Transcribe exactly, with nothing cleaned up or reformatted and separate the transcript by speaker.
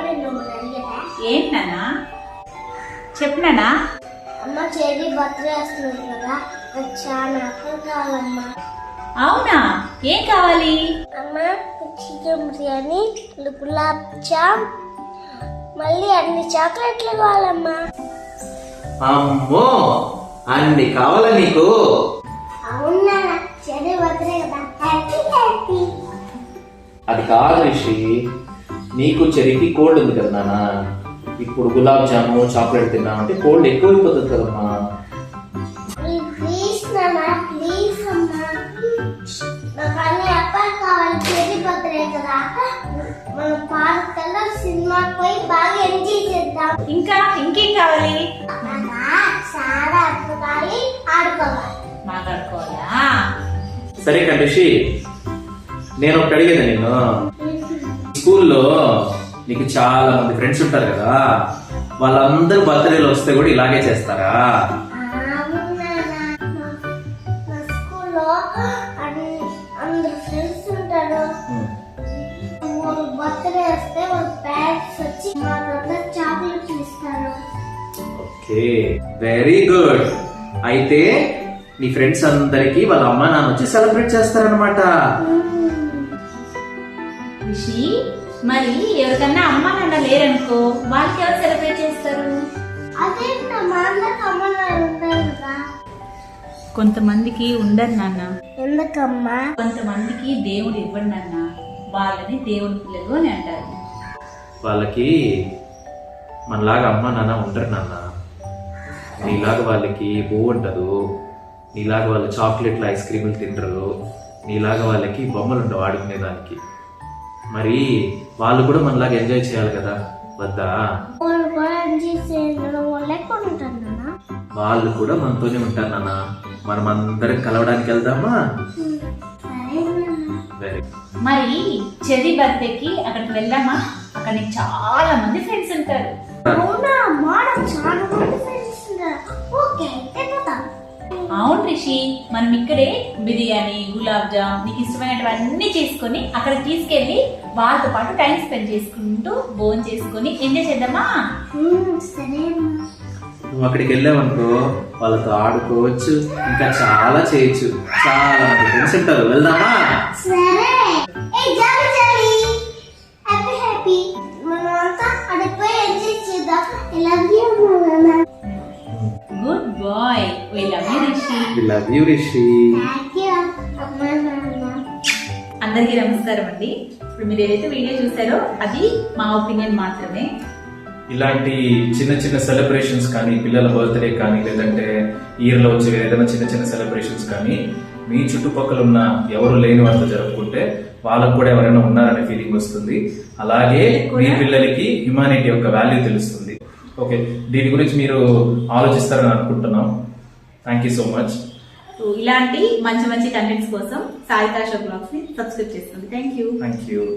Speaker 1: ఏంటన్నా చెప్పినానా?
Speaker 2: అమ్మ cherry birthday వస్తుంది కదా, నాకు చాలా ఆకలి కావాలమ్మా.
Speaker 1: అవునా, ఏం కావాలి?
Speaker 2: అమ్మ చికెన్ బిర్యానీ, గులాబ్ జామ్, మళ్ళీ అన్ని చాక్లెట్లు కావాలమ్మా.
Speaker 3: అమ్మో, అన్ని కావాలా నీకు?
Speaker 2: అవునా, చెర్రీ బర్త్డే కదా, హ్యాపీ హ్యాపీ.
Speaker 3: అది కాదు రిషి, నీకు చెరికి కోల్డ్ ఉంది కదా నాన్న. ఇప్పుడు గులాబ్ జాము చాక్లెట్ తిన్నామంటే కోల్డ్ ఎక్కువైపోతుంది కదమ్మా.
Speaker 2: ప్లీజ్ నాన్న, ప్లీజ్ అమ్మా, నాకు అన్ని అప్పాలు కావాలి. చెర్రీ బర్త్డే కదా, మనం పార్క్ కల్లా సినిమాకి పోయి బాగా ఎంజాయ్ చేద్దాం.
Speaker 1: ఇంకా ఇంకేం కావాలి?
Speaker 2: చాలా అద్భుతాలు ఆడుకోవాలి.
Speaker 1: మాట్లాడుకోవాలా?
Speaker 3: సరే కదా రిషి, నేను ఒకటి అడిగేదా నిన్ను, స్కూల్లో నీకు చాలా మంది ఫ్రెండ్స్ ఉంటారు కదా, వాళ్ళందరూ బర్త్డేలు వస్తే కూడా ఇలాగే చేస్తారా?
Speaker 2: అందరు ఫ్రెండ్స్ ఉంటారు. బర్త్డే వస్తే వాళ్ళ పేరెంట్స్ వచ్చి వాళ్ళందరూ చాక్లెట్స్ ఇస్తారు.
Speaker 3: Okay, very good. అయితే నీ ఫ్రెండ్స్ అందరికి వాళ్ళ అమ్మ నాన్న వచ్చి సెలబ్రేట్ చేస్తారనమాట.
Speaker 1: రిషి, మరి ఎవరికన్నా అమ్మ నాన్న లేరనుకో, వాళ్ళకి ఎవరు సెలబ్రేట్ చేస్తారు?
Speaker 2: అదే మా అందరికి అమ్మ నాన్న ఉంటారు కదా.
Speaker 1: కొంతమందికి ఉండరు నాన్న.
Speaker 2: ఎందుకమ్మా?
Speaker 1: కొంతమందికి దేవుడు ఇవ్వడు నాన్న, వాళ్ళని దేవుడి పిల్లలు అని అంటారు.
Speaker 3: వాళ్ళకి మనలాగా అమ్మ నాన్న ఉండరు నాన్న. నీలాగా వాళ్ళకి పువ్వు ఉండదు, నీలాగా వాళ్ళు చాక్లెట్లు ఐస్ క్రీములు తింటారు, నీలాగా వాళ్ళకి బొమ్మలు ఉండవు ఆడుకునేదానికి. మరి వాళ్ళు కూడా మనలాగా ఎంజాయ్ చేయాలి కదా, వద్దా?
Speaker 2: వాళ్ళు కూడా ఎంజాయ్ చేయడం వల్ల ఎక్కువ ఉంటారు నాన్న.
Speaker 3: వాళ్ళు కూడా మనతోనే ఉంటారు నాన్న. మనం అందరం కలవడానికి వెళ్దామా? వెరీ
Speaker 1: మరి చెర్రీ బర్త్డేకి అక్కడికి వెళ్దామా? అక్కడ నీకు చాలా మంది ఫ్రెండ్స్ ఉంటారు.
Speaker 2: అవునా, మాకు చాలా మంది ఫ్రెండ్స్ ఉన్నారు. ఓకే, వెళ్ళిపోతాం.
Speaker 1: అవును రిషి, మనం ఇక్కడే బిర్యానీ, గులాబ్ జామ్, నీకు ఇష్టమైనటువన్నీ చేసుకొని అక్కడ తీసుకెళ్లి వాళ్ళతో పాటు టైం స్పెండ్ చేసుకుంటూ భోజనం చేసుకొని ఎంజాయ్ చేద్దామా?
Speaker 2: సరే.
Speaker 3: నువ్వు అక్కడికి వెళ్ళావనుకో, వాళ్ళతో ఆడుకోవచ్చు, ఇంకా చాలా చేయొచ్చు. చాలా మంది ఫ్రెండ్స్ ఉంటారు, వెళ్దామా?
Speaker 2: సరే. ఏ జాలి జాలి, హ్యాపీ హ్యాపీ, మనం అంతా అక్కడికి పోయి ఎంజాయ్ చేద్దాం. ఐ లవ్ యూ నాన్న.
Speaker 1: Good boy, we love you Rishi.
Speaker 3: We love you Rishi.
Speaker 2: Thank you అమ్మా నాన్న.
Speaker 1: అందరికీ నమస్కారం అండి. ఇప్పుడు మీరు ఏదైతే వీడియో చూసారో అది మా ఒపీనియన్ మాత్రమే.
Speaker 4: ఇలాంటి చిన్న చిన్న సెలబ్రేషన్స్ కానీ, పిల్లల బర్త్డే కానీ, లేదంటే ఇయర్ లో వచ్చే ఏదైనా చిన్న చిన్న సెలబ్రేషన్స్ కానీ మీ చుట్టుపక్కల ఉన్న ఎవరు లేని వాళ్ళతో జరుపుకుంటే వాళ్ళకు కూడా ఎవరైనా ఉన్నారనే ఫీలింగ్ వస్తుంది. అలాగే మీ పిల్లలకి హ్యుమానిటీ యొక్క వాల్యూ తెలుస్తుంది. ఓకే, దీని గురించి మీరు ఆలోచిస్తారని అనుకుంటున్నాం. Thank you so much.
Speaker 1: ఇలాంటి మంచి మంచి కంటెంట్స్ కోసం సాయితా షో బ్లాగ్స్ ని సబ్స్క్రైబ్ చేసుకోండి. Thank you.
Speaker 4: Thank you.